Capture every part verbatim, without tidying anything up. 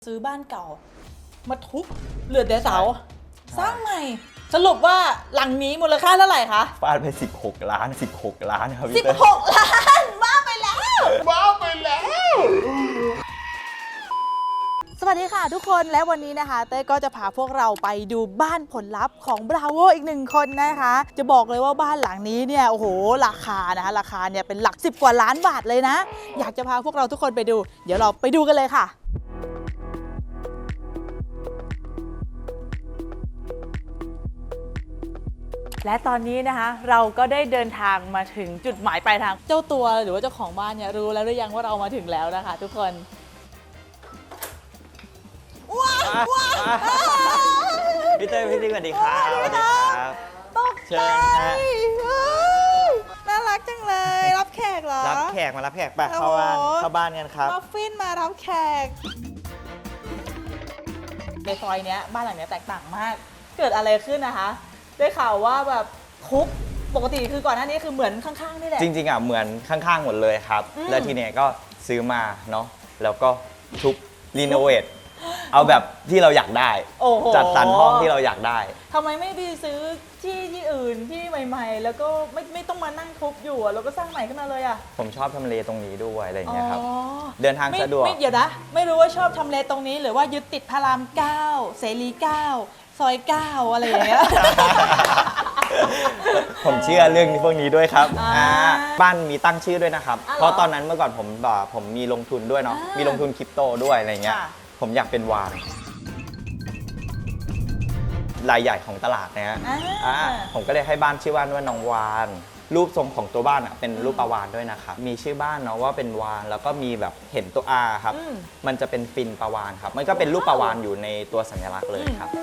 ซื้อบ้านเก่ามาทุบเหลือแต่เสาสร้างใหม่สรุปว่าหลังนี้มูลค่าเท่าไหร่คะฟาดไปสิบหกล้านสิบหกล้านครับพี่สิบหกล้านบ้าไปแล้วบ้าไปแล้วสวัสดีค่ะทุกคนและวันนี้นะคะเต้ก็จะพาพวกเราไปดูบ้านผลลัพธ์ของบราโวอีกหนึ่งคนนะคะจะบอกเลยว่าบ้านหลังนี้เนี่ยโอ้โหราคานะคะราคาเนี่ยเป็นหลักสิบกว่าล้านบาทเลยนะอยากจะพาพวกเราทุกคนไปดูเดี๋ยวเราไปดูกันเลยค่ะและตอนนี้นะคะเราก็ได้เดินทางมาถึงจุดหมายปลายทางเจ้าตัวหรือว่าเจ้าของบ้านเนี่ยรู้แล้วหรือยังว่าเรามาถึงแล้วนะคะทุกคนว้าวว้าวพี่เต้ยพี่ติ๊กสวัสดีครับสวัสดีครับตกใจน่ารักจังเลยรับแขกเหรอรับแขกมารับแขกไปเข้าบ้านเข้าบ้านกันครับมัฟฟินมารับแขกในซอยเนี้ยบ้านหลังเนี้ยแตกต่างมากเกิดอะไรขึ้นนะคะได้ข่าวว่าแบบคุกปกติคือก่อนหน้านี้คือเหมือนข้างๆนี่แหละจริงๆอ่ะเหมือนข้างๆหมดเลยครับแล้วทีเนี้ยก็ซื้อมาเนาะแล้วก็ทุบรีโนเวทเอาแบบที่เราอยากได้จัดสรรห้องที่เราอยากได้ทำไมไม่ไปซื้อที่ที่อื่นที่ใหม่ๆแล้วก็ไม่ไม่ต้องมานั่งทุบอยู่แล้วก็สร้างใหม่ขึ้นมาเลยอ่ะผมชอบทำเลตรงนี้ด้วยอะไรอย่างเงี้ยครับเดินทางสะดวกไม่เดี๋ยวนะไม่รู้ว่าชอบทำเลตรงนี้หรือว่ายึดติดพระรามเก้าเสรีเก้าซอยเก้าอะไรอย่างเงี้ยผมเชื่อเรื่องพวกนี้ด้วยครับบ้านมีตั้งชื่อด้วยนะครับเพราะตอนนั้นเมื่อก่อนผมแบบผมมีลงทุนด้วยเนาะมีลงทุนคริปโตด้วยอะไรเงี้ยผมอยากเป็นวานรายใหญ่ของตลาดนะฮะผมก็เลยให้บ้านชื่อบ้านว่าน้องวานรูปทรงของตัวบ้านอ่ะเป็นรูปปลาวานด้วยนะครับมีชื่อบ้านเนาะว่าเป็นวานแล้วก็มีแบบเห็นตัว R ครับมันจะเป็นฟินปลาวานครับมันก็เป็นรูปปลาวานอยู่ในตัวสัญลักษณ์เลยครับ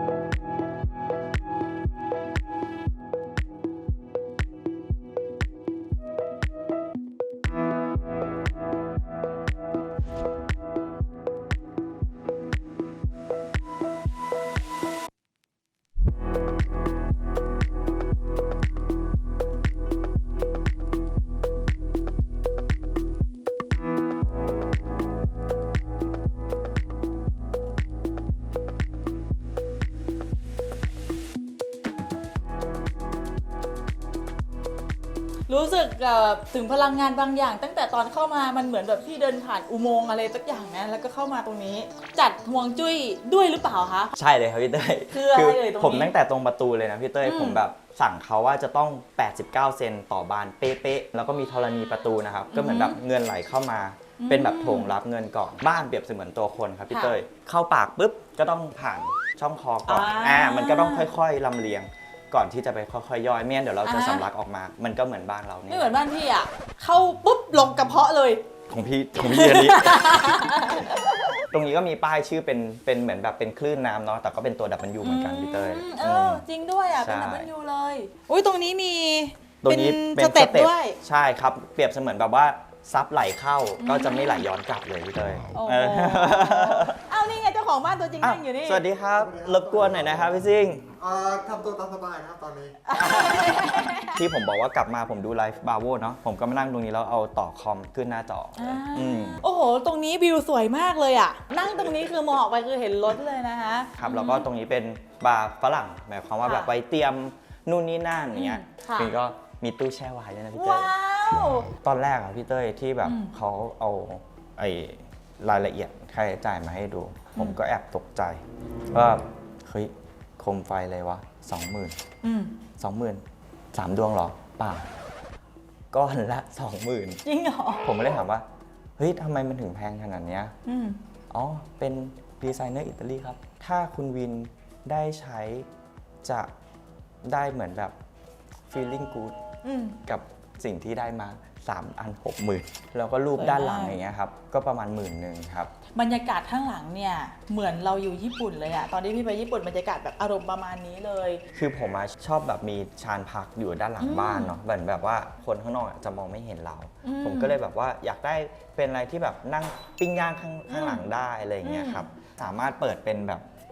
รู้สึกถึงพลังงานบางอย่างตั้งแต่ตอนเข้ามามันเหมือนแบบที่เดินผ่านอุโมงค์อะไรสักอย่างนะแล้วก็เข้ามาตรงนี้จัดห่วงจุ้ยด้วยหรือเปล่าคะใช่เลยครับพี่เต้ยคืออะไรเอ่ยตรงนี้ผมตั้งแต่ตรงประตูเลยนะพี่เต้ยผมแบบสั่งเขาว่าจะต้องแปดสิบเก้าเซนต่อบานเป๊ะๆแล้วก็มีธรณีประตูนะครับก็เหมือนแบบเงินไหลเข้ามาเป็นแบบโถงรับเงินก่อนบ้านเปรียบเสมือนตัวคนครับพี่เต้ยเข้าปากปุ๊บก็ต้องผ่านช่องคอก่อนอ่ามันก็ต้องค่อยๆลำเลียงก่อนที่จะไปค่อยๆย่อยไม่งั้นเดี๋ยวเราจะสำลักออกมามันก็เหมือนบ้านเราเนี่ยไม่เหมือนบ้านพี่อ่ะเข้าปุ๊บลงกระเพาะเลยของพี่ของพี่อันนี้ ตรงนี้ก็มีป้ายชื่อเป็นเป็นเหมือนแบบเป็นคลื่นน้ำเนาะแต่ก็เป็นตัว ดับเบิลยู เหมือนกันพี่เต้ยเออจริงด้วยอ่ะเป็น ดับเบิลยู เลยอุ้ยตรงนี้มีตรงนี้เป็นสเต็ปด้วยใช่ครับเปรียบเสมือนแบบว่าซับไหลเข้าก็จะไม่ไหลย้อนกลับเลยพี่เต้ยเอานี่ไงเจ้าของบ้านตัวจริงนั่งอยู่นี่สวัสดีครับรบกวนหน่อยนะครับพี่ซิงทำตัวตามสบายนะครับตอนนี้ที่ผมบอกว่ากลับมาผมดูไลฟ์บาโวเนาะผมก็มานั่งตรงนี้แล้วเอาต่อคอมขึ้นหน้าจอโอ้โหตรงนี้วิวสวยมากเลยอ่ะนั่งตรงนี้คือมองออกไปคือเห็นรถเลยนะคะครับแล้วก็ตรงนี้เป็นบาร์ฝรั่งหมายความว่าแบบไว้เตรียมนู่นนี่นั่นอย่างเงี้ยคือก็มีตู้แช่ไวน์ด้วยนะพี่เต้ยตอนแรกอะพี่เต้ยที่แบบเขาเอาไอ้รายละเอียดค่าใช้จ่ายมาให้ดูผมก็แอบตกใจว่าเฮ้ยโคมไฟอะไรวะสองหมื่นสองหมื่นสามดวงเหรอเปล่าก้อนละสองหมื่นจริงเหรอผมไม่ได้ถามว่าเฮ้ยทำไมมันถึงแพงขนาดนี้อ๋อเป็นดีไซเนอร์อิตาลีครับถ้าคุณวินได้ใช้จะได้เหมือนแบบ feeling good กับสิ่งที่ได้มาสามอันหกหมื่นแล้วก็รูปด้านหลังอย่างเงี้ยครับก็ประมาณหมื่นหนึ่งครับบรรยากาศข้างหลังเนี่ยเหมือนเราอยู่ญี่ปุ่นเลยอะตอนที่พี่ไปญี่ปุ่นบรรยากาศแบบอารมณ์ประมาณนี้เลยคือผมชอบแบบมีชานพักอยู่ด้านหลังบ้านเนาะเหมือนแบบว่าคนข้างนอกจะมองไม่เห็นเราผมก็เลยแบบว่าอยากได้เป็นอะไรที่แบบนั่งปิ้งย่างข้างข้างหลังได้อะไรอย่างเงี้ยครับสามารถเปิดเป็นแบบ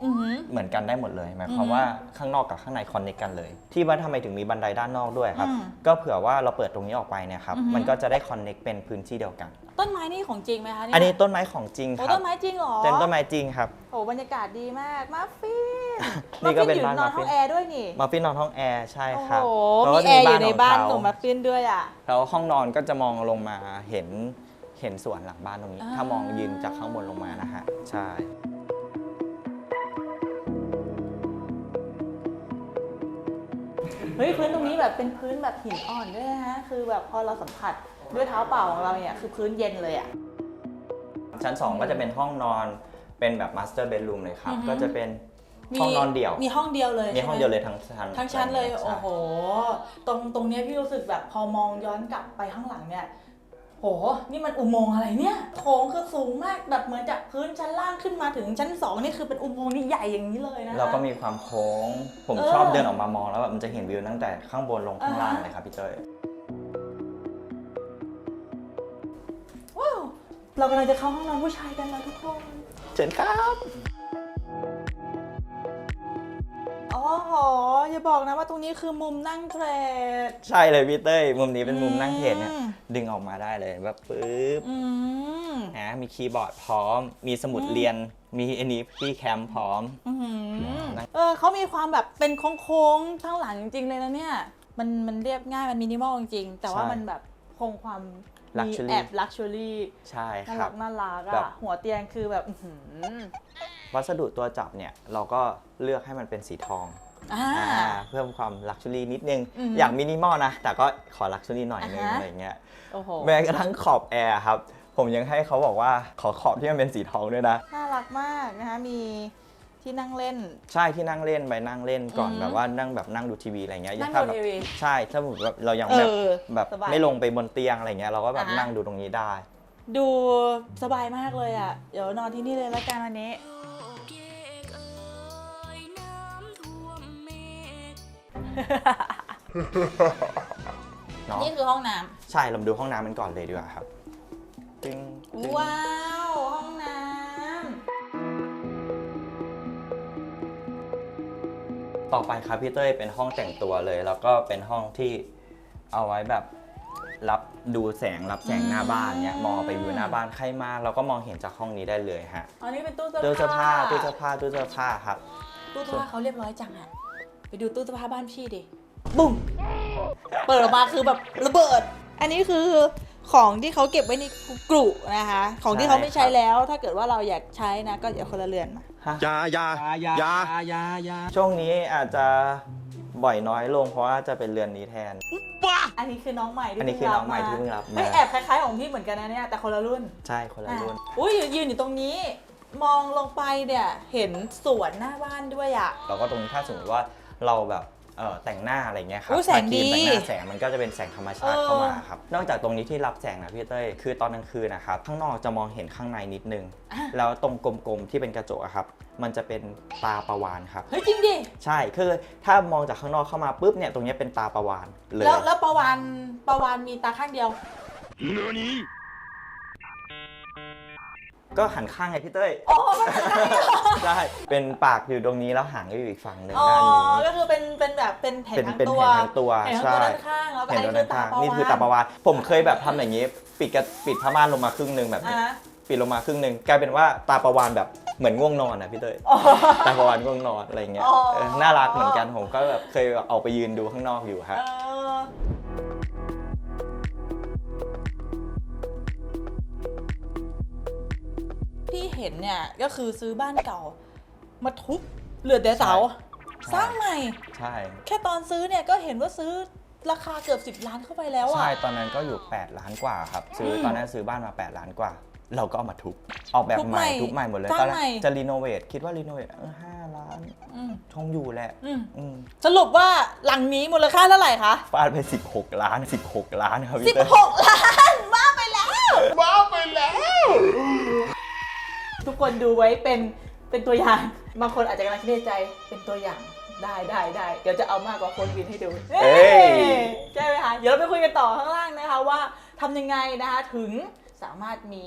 อือหือเหมือนกันได้หมดเลยหมายความอือฮึว่าข้างนอกกับข้างในคอนเนคกันเลย ที่ว่าทำไมถึงมีบันไดด้านนอกด้วยครับอืมก็เผื่อว่าเราเปิดตรงนี้ออกไปเนี่ยครับอือฮึมันก็จะได้คอนเนคเป็นพื้นที่เดียวกันต้นไม้นี่ของจริงไหมคะเนี่ยอันนี้ต้นไม้ของจริงคโอ้รับต้นไม้จริงเหรอเป็นต้นไม้จริงครับโอ้บรรยากาศดีมากมาฟินนี่ก็เป็นอยู่บ้านนอนมาฟินห้องแอร์ด้วยนี่มาฟินนอนห้องแอร์ใช่โอ้คโหรับมีแอร์อยู่ในบ้านขของมาฟินด้วยอ่ะแล้วห้องนอนก็จะมองลงมาเห็นเห็นสวนหลังบ้านตรงนี้อ่าถ้ามองยืนจากข้างบนลงมานะฮะใช่เฮ้ยพื้นตรงนี้แบบเป็นพื้นแบบหินอ่อนด้วยนะฮะคือแบบพอเราสัมผัสด้วยเท้าเปล่าของเราเนี่ยคือพื้นเย็นเลยอ่ะชั้นสองก็จะเป็นห้องนอนเป็นแบบมาสเตอร์เบดรูมเลยครับอือฮึก็จะเป็นห้องนอนเดี่ยวมีห้องเดียวเลยมีห้องใช่ไเดียวเลยทั้งชั้นทั้งชั้นเลยใช่โอ้โห ตรงตรงเนี้ยพี่รู้สึกแบบพอมองย้อนกลับไปข้างหลังเนี่ยโหนี่มันอุโมงค์อะไรเนี่ยโถงคือสูงมากแบบเหมือนจากพื้นชั้นล่างขึ้นมาถึงชั้นสองนี่คือเป็นอุโมงค์นี่ใหญ่อย่างนี้เลยนะคะแล้วก็มีความโค้ง ผมเออชอบเดินออกมามองแล้วแบบมันจะเห็นวิวตั้งแต่ข้างบนลงข้างล่างอ่าฮะเลยครับพี่เต้ยว้าวเรากำลังจะเข้าห้องนอนผู้ชายกันแล้วทุกคนเชิญครับอ๋อโหอย่าบอกนะว่าตรงนี้คือมุมนั่งเทรดใช่เลยพี่เต้ยมุมนี้เป็นมุมนั่งเทรดเนี่ยอืมดึงออกมาได้เลยแบบปึ๊บอืมนะมีคีย์บอร์ดพร้อม มีสมุดอืมเรียนมีอันนี้พี่แคมพร้อมอื้อหือเออเขามีความแบบเป็นโค้งๆทั้งหลังจริงๆเลยนะเนี่ยมันมันเรียบง่ายมันมินิมอลจริงๆแต่ว่าใช่มันแบบคงความมี Luxury แอบลักชัวรี่ใช่น่าครัรับ กน่ารักแบอะบหัวเตียงคือแบบอื้อหือวัสดุตัวจับเนี่ยเราก็เลือกให้มันเป็นสีทองอ่าอ่าเพิ่มความลักชัวรี่นิดนึงอือฮึอยากมินิมอลนะ แต่ก็ขอลักชัวรี่หน่อยนึงอ่าฮะอะไรเงี้ยโอ้โหแม้กระทั่งขอบแอร์ครับ ผมยังให้เขาบอกว่าขอขอบที่มันเป็นสีทองด้วยนะน่ารักมากนะคะมีที่นั่งเล่นใช่ที่นั่งเล่นไปนั่งเล่นก่อนอือฮึแบบว่านั่งแบบนั่งดูทีวีอะไรเงี้ยนั่งถ้าดูแบบทีวีใช่ถ้าสมมติว่าเรายังแบบเออแบบสบายไม่ลงไปบนเตียงอะไรเงี้ยเราก็แบบอ่าฮะนั่งดูตรงนี้ได้ดูสบายมากเลยอะเดี๋ยวนอนที่นี่เลยละกันวันนี้เนาะนี่คือห้องน้ใช่เรามาดูห้องน้ำมันก่อนเลยดีกว่าครับตึ้งตึ้งำว้าว ห้องน้ต่อไปครับพี่เต้ยเป็นห้องแต่งตัวเลย แล้วก็เป็นห้องที่เอาไว้แบบรับดูแสงรับแสงหน้าบ้านเนี้ยมองไปวิวหน้าบ้านใครมาเราก็มองเห็นจากห้องนี้ได้เลยฮะำอันนี้เป็นตู้เสื้อตู้เสื้อผ้าผ้าตู้เสื้อผ้าตู้เสื้อผ้าครับตู้เสื้อผ้าเขาเรียบร้อยจังอะไปดูตู้เสื้อผ้าบ้านพี่ดิ บุ้มเปิดออกมาคือแบบระเบิด อันนี้คือของที่เขาเก็บไว้ในกรุนะคะ ของที่เขาไม่ใช้แล้ว ถ้าเกิดว่าเราอยากใช้นะ ก็อย่าคนละเรือนมาอยาอยาอยาช่วงนี้อาจจะบ่อยน้อยลงเพราะว่าจะเป็นเรือนนี้แทนอันนี้คือน้องใหม่ที่อันนี้คือน้องใหม่ที่เพิ่งรับมาเฮ้ยแอบคล้ายๆของพี่เหมือนกันนะเนี่ย แต่คนละรุ่นใช่คนละรุ่นอ่ะอุ้ยยืนอยู่ตรงนี้ มองลงไปเนี่ยเห็นสวนหน้าบ้านด้วยอ่ะแล้วก็ตรงนี้ถ้าสมมติว่าเราแบบเอ่อแต่งหน้าอะไรเงี้ยครับอุ๊ยแสงดีมาครีมแต่งหน้าแสงมันก็จะเป็นแสงธรรมชาติเออเข้ามาครับนอกจากตรงนี้ที่รับแสงนะพี่เต้ยคือตอนกลางคืนนะครับข้างนอกจะมองเห็นข้างในนิดนึง แล้วตรงกลมๆที่เป็นกระจกอะครับมันจะเป็นตาประวานครับเฮ้ยจริงดิใช่คือถ้ามองจากข้างนอกเข้ามาปุ๊บเนี่ยตรงเนี้ยเป็นตาประวานเลยแล้วแล้วประวานประวานมีตาข้างเดียวก็หันข้างไงพี่เต้ยอ๋อมันเป็นข้างเดียวใช่เป็นปากอยู่ตรงนี้แล้วหางก็อยู่อีกฝั่งหนึ่งอ๋อด้านนี้ก็คือเป็นเป็นแบบเป็นเห็นเป็นทั้งเป็นตัวเห็นทั้งตัวเห็นทั้งใช่ตัวด้านข้างแล้วก็เห็อันนตรนี้งคือด้านตาข้างประวานนี่คือตาประวานผมเคยแบบทำอย่างนี้ ปิดกระปิดผ้าม่านลงมาครึ่งหนึ่งแบบนี้อ่ะปิดลงมาครึ่งหนึ่งกลายเป็นว่าตาประวานแบบเหมือนง่วงนอนนะพี่เต้ยอ๋อตาประวานง่วงนอนอะไรเงี้ยอ๋อเออน่ารักเหมือนกันผมก็แบบเคยออกไปยืนดูข้างนอกอยู่ฮะเออที่เห็นเนี่ยก็คือซื้อบ้านเก่า มาทุบเหลือแต่เสาใช่สร้างใหม่ใช่แค่ตอนซื้อเนี่ยก็เห็นว่าซื้อราคาเกือบสิบล้านเข้าไปแล้วอ่ะใช่ตอนนั้นก็อยู่แปดล้านกว่าครับซื้ออมตอนนั้นซื้อบ้านมาแปดล้านกว่า เราก็เอามาทุบออกแบบทุบใหใหม่ม่ทุบใหม่หมดเลยสร้างตอนแรใหม่กจะรีโนเวทคิดว่ารีโนเวทเออห้าล้านอืมคงอยู่แหละอืมอืมสรุปว่าหลังนี้มูลค่าเท่าไหร่คะฟาดไปสิบหกล้านสิบหกล้านครับสิพี่บเต้ยหกล้านบ้าไปแล้วบ้าไปแล้วทุกคนดูไว้เป็นเป็นตัวอย่าง บางคนอาจจะกำลังคิดในใจเป็นตัวอย่างได้ได้ได้เดี๋ยวจะเอามากกว่าคนวินให้ดูเอ้ยใช่ไหมคะเดี๋ยวเราไปคุยกันต่อข้างล่างนะคะว่าทำยังไงนะคะถึงสามารถมี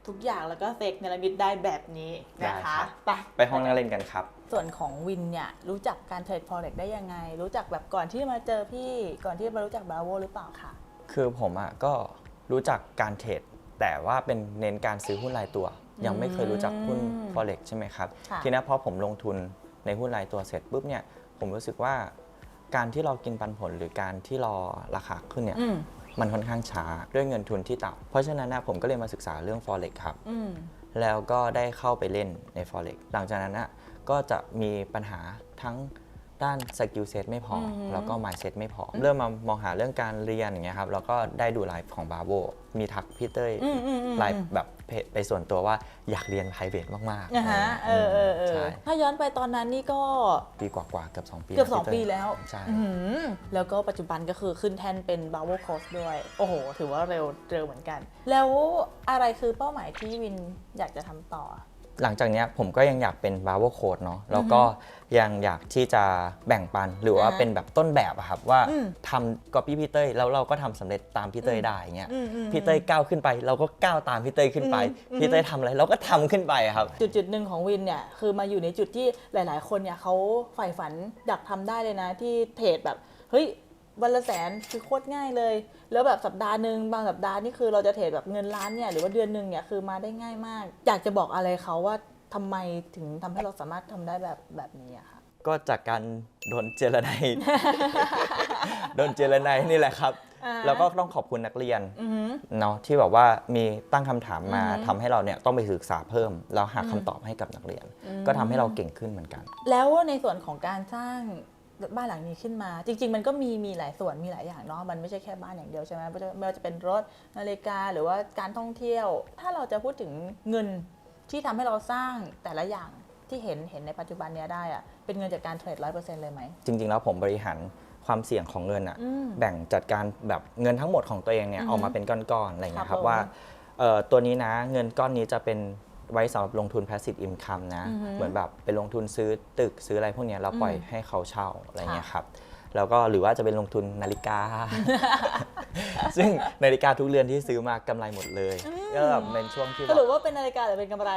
ทุกอย่างแล้วก็เซกเนรมิตได้แบบนี้นะคะไปไปห้องนั่งเล่นกันครับส่วนของวินเนี่ยรู้จักการเทรด Forex ได้ยังไง รู้จักแบบก่อนที่มาเจอพี่ก่อนที่มารู้จัก Bravo หรือเปล่าคะคือผมอ่ะก็รู้จักการเทรดแต่ว่าเป็นเน้นการซื้อหุ้นรายตัว ยังไม่เคยรู้จักหุ้น Forex ใช่ไหมครับ ทีนี้พอผมลงทุนในหุ้นรายตัวเสร็จปุ๊บเนี่ยผมรู้สึกว่าการที่เรากินปันผลหรือการที่รอราคาขึ้นเนี่ยมันค่อนข้างช้าด้วยเงินทุนที่ต่ำเพราะฉะนั้นนะผมก็เลยมาศึกษาเรื่อง Forex ครับแล้วก็ได้เข้าไปเล่นใน Forex หลังจากนั้นนะก็จะมีปัญหาทั้งด้านสกิลเซ็ตไม่พอ แล้วก็ mindset ไม่พอ เริ่มมามองหาเรื่องการเรียนอย่างเงี้ยครับแล้วก็ได้ดูไลฟ์ของ Bravo มีทักพี่เต้ยไลฟ์แบบไปส่วนตัวว่าอยากเรียน private มากๆนะฮะเออเออเออถ้าย้อนไปตอนนั้นนี่ก็ปีกว่าๆเกือบสองปีเกือบสองปีแล้วใช่แล้วก็ปัจจุบันก็คือขึ้นแท่นเป็น Bravo Coach ด้วย โอ้โห ถือว่าเร็วเร็วเหมือนกัน แล้วอะไรคือเป้าหมายที่วินอยากจะทำต่อหลังจากนี้ผมก็ยังอยากเป็น Bravo Coach เนาะแล้วก็ยังอยากที่จะแบ่งปันหรือว่าเป็นแบบต้นแบบอะครับว่าทำก๊อปปี้พี่เต้ยแล้วเราก็ทำสำเร็จตามพี่เต้ยได้เงี้ยพี่เต้ยก้าวขึ้นไปเราก็ก้าวตามพี่เต้ยขึ้นไปพี่เต้ยทำอะไรเราก็ทำขึ้นไปครับจุดจุดหนึ่งของวินเนี่ยคือมาอยู่ในจุดที่หลายๆคนเนี่ยเขาใฝ่ฝันอยากทำได้เลยนะที่เทรดแบบเฮ้ยวันละแสนคือโคตรง่ายเลยแล้วแบบสัปดาห์หนึ่งบางสัปดาห์นี่คือเราจะเทรดแบบเงินล้านเนี่ยหรือว่าเดือนหนึ่งเนี่ยคือมาได้ง่ายมากอยากจะบอกอะไรเขาว่าทำไมถึงทำให้เราสามารถทำได้แบบแบบนี้อะค่ะก็จากการโดนเจรไน โดนเจรไนนี่แหละครับแล้วก็ต้องขอบคุณนักเรียนเนาะที่แบบว่ามีตั้งคำถามมาทำให้เราเนี่ยต้องไปศึกษาเพิ่มแล้วหาคำตอบให้กับนักเรียนก็ทำให้เราเก่งขึ้นเหมือนกันแล้วในส่วนของการสร้างบ้านหลังนี้ขึ้นมาจริงๆมันก็มีมีหลายส่วนมีหลายอย่างเนาะมันไม่ใช่แค่บ้านอย่างเดียวใช่ไหมไม่ว่าจะเป็นรถนาฬิกาหรือว่าการท่องเที่ยวถ้าเราจะพูดถึงเงินที่ทำให้เราสร้างแต่ละอย่างที่เห็นเห็นในปัจจุบันเนี้ยได้อะเป็นเงินจากการเทรดร้อยเปอร์เซ็นต์เลยไหมจริงๆแล้วผมบริหารความเสี่ยงของเงินอะแบ่งจัดการแบบเงินทั้งหมดของตัวเองเนี่ยออกมาเป็นก้อนๆอะไรเงี้ยครับว่าตัวนี้นะเงินก้อนนี้จะเป็นไว้สำหรับลงทุน passive income นะเหมือนแบบไปลงทุนซื้อตึกซื้ออะไรพวกนี้เราปล่อยให้เขาเช่าอะไรเงี้ยครับแล้วก็หรือว่าจะเป็นลงทุนนาฬิกา ซึ่งนาฬิกาทุกเรือนที่ซื้อมากำไรหมดเลยก็แบบเป็นช่วงที่สรุปว่าเป็นนาฬิกาหรือเป็นกำไร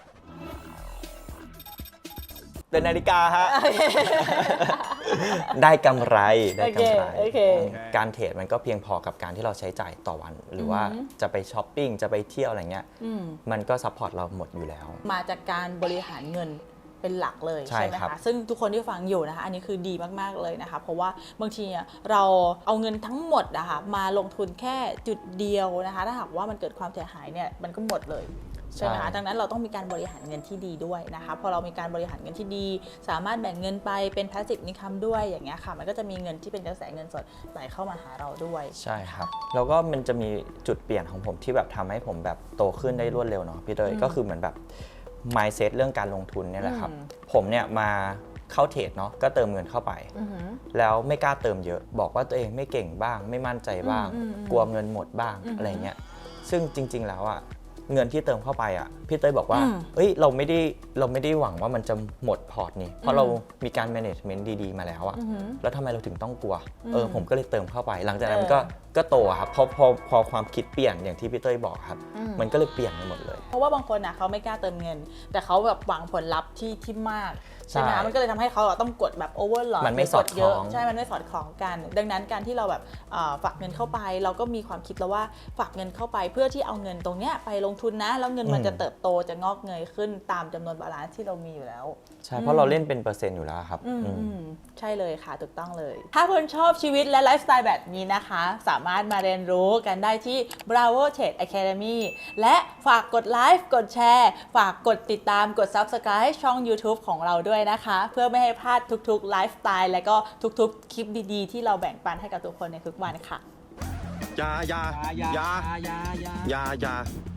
เป็นนาฬิกาฮะ ได้กำไรได้กำไร การเทรดมันก็เพียงพอกับการที่เราใช้จ่ายต่อวันหรือว่าจะไปช้อปปิ้งจะไปเที่ยวอะไรเงี้ยมันก็ซัพพอร์ตเราหมดอยู่แล้วมาจากการบริหารเงินเป็นหลักเลยใช่ไหมคะซึ่งทุกคนที่ฟังอยู่นะคะอันนี้คือดีมากๆเลยนะคะเพราะว่าบางทีเราเอาเงินทั้งหมดนะคะมาลงทุนแค่จุดเดียวนะคะถ้าหากว่ามันเกิดความเสียหายเนี่ยมันก็หมดเลยใช่ไหมคะดังนั้นเราต้องมีการบริหารเงินที่ดีด้วยนะคะพอเรามีการบริหารเงินที่ดีสามารถแบ่งเงินไปเป็น passive income ด้วยอย่างเงี้ยค่ะมันก็จะมีเงินที่เป็นกระแสเงินสดไหลเข้ามาหาเราด้วยใช่ครับแล้วก็มันจะมีจุดเปลี่ยนของผมที่แบบทำให้ผมแบบโตขึ้นได้รวดเร็วเนาะพี่เตยก็คือเหมือนแบบ mindset เรื่องการลงทุนเนี่ยแหละครับผมเนี่ยมาเข้าเทรดเนาะก็เติมเงินเข้าไปแล้วไม่กล้าเติมเยอะบอกว่าตัวเองไม่เก่งบ้างไม่มั่นใจบ้างกลัวเงินหมดบ้างอะไรเงี้ยซึ่งจริงๆแล้วอ่ะเงินที่เติมเข้าไปอ่ะพี่เต้ยบอกว่าเอ้ยเราไม่ได้เราไม่ได้หวังว่ามันจะหมดพอร์ตนี่เพราะเรามีการ management ดีๆมาแล้วอ่ะแล้วทำไมเราถึงต้องกลัวเออผมก็เลยเติมเข้าไปหลังจากนั้นก็ก็โตครับพอพอพอความคิดเปลี่ยนอย่างที่พี่เต้ยบอกครับมันก็เลยเปลี่ยนไปหมดเลยเพราะว่าบางคนอ่ะเขาไม่กล้าเติมเงินแต่เขาแบบหวังผลลัพธ์ที่ที่มากใช่ไหมมันก็เลยทำให้เขาต้องกดแบบโอเวอร์หลอดมันไม่สอดคล้องใช่มันไม่สอดคล้องกันดังนั้นการที่เราแบบฝากเงินเข้าไปเราก็มีความคิดแล้วว่าฝากเงินเข้าไปเพื่อที่เอาเงินตรงเนี้ยไปลงทุนนะแล้วเงินมันจะเติบโตจะงอกเงยขึ้นตามจำนวนบาลานซ์ที่เรามีอยู่แล้วใช่เพราะเราเล่นเป็นเปอร์เซ็นต์อยู่แล้วครับใช่เลยค่ะถูกต้องเลยถ้าคุณชอบชีวิตและไลฟ์สไตล์แบบนี้นะคะสามารถมาเรียนรู้กันได้ที่ Bravo Trade Academy และฝากกดไลค์กดแชร์ฝากกดติดตามกด Subscribe ช่อง YouTube ของเราด้วยนะคะเพื่อไม่ให้พลาดทุกๆไลฟ์สไตล์และก็ทุกๆคลิปดีๆที่เราแบ่งปันให้กับทุกคนในทุกวันค่ะยายายายายายายา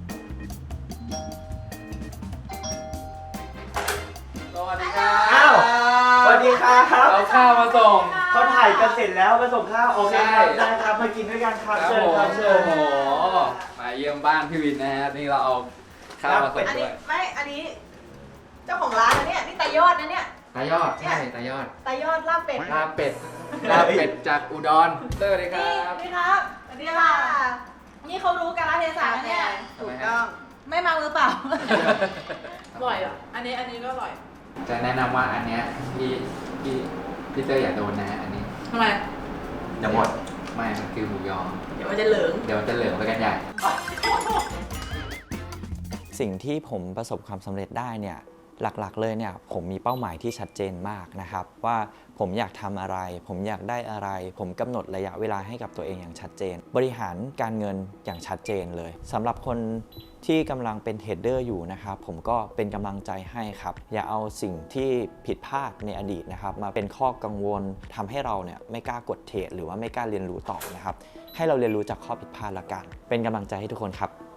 สวัสดีครับอ้าวสวัสดีครับเอาข้าวมาส่งเขาถ่ายกันเสร็จแล้วมาส่งข้าวโอเคครับได้ครับมากินด้วยกันครับเชิญครับเชิญโอ้โหมาเยี่ยมบ้านพี่วินนะฮะนี่เราเอาข้าวมาส่งด้วยไม่อันนี้เจ้าของร้านนะเนี่ยนี่ตายอดนะเนี่ยตายอดใช่ตายอดตายอดลาบเป็ดลาบเป็ดลาบเป็ดจากอุดรสวัสดีครับนี่ครับสวัสดีค่ะนี่เขารู้กาลเทศะเนี่ยถูกต้องไม่มามือเปล่าอร่อยอ่ะ อันนี้อันนี้ก็อร่อยจะแนะนำว่าอันเนี้ยพี่พี่พี่เตอร์อย่าโดนนะอันนี้ทำไมอย่าหมดไม่มันคือหมูยอเดี๋ยวมันจะเหลืองเดี๋ยวมันจะเหลืองไปกันใหญ่สิ่งที่ผมประสบความสำเร็จได้เนี่ยหลักๆเลยเนี่ยผมมีเป้าหมายที่ชัดเจนมากนะครับว่าผมอยากทำอะไร ผมอยากได้อะไร ผมกำหนดระยะเวลาให้กับตัวเองอย่างชัดเจน บริหารการเงินอย่างชัดเจนเลยสำหรับคนที่กำลังเป็นเทรดเดอร์อยู่นะครับผมก็เป็นกำลังใจให้ครับอย่าเอาสิ่งที่ผิดพลาดในอดีตนะครับมาเป็นข้อกังวลทำให้เราเนี่ยไม่กล้ากดเทรดหรือว่าไม่กล้าเรียนรู้ต่อนะครับให้เราเรียนรู้จากข้อผิดพลาดละกันเป็นกำลังใจให้ทุกคนครับ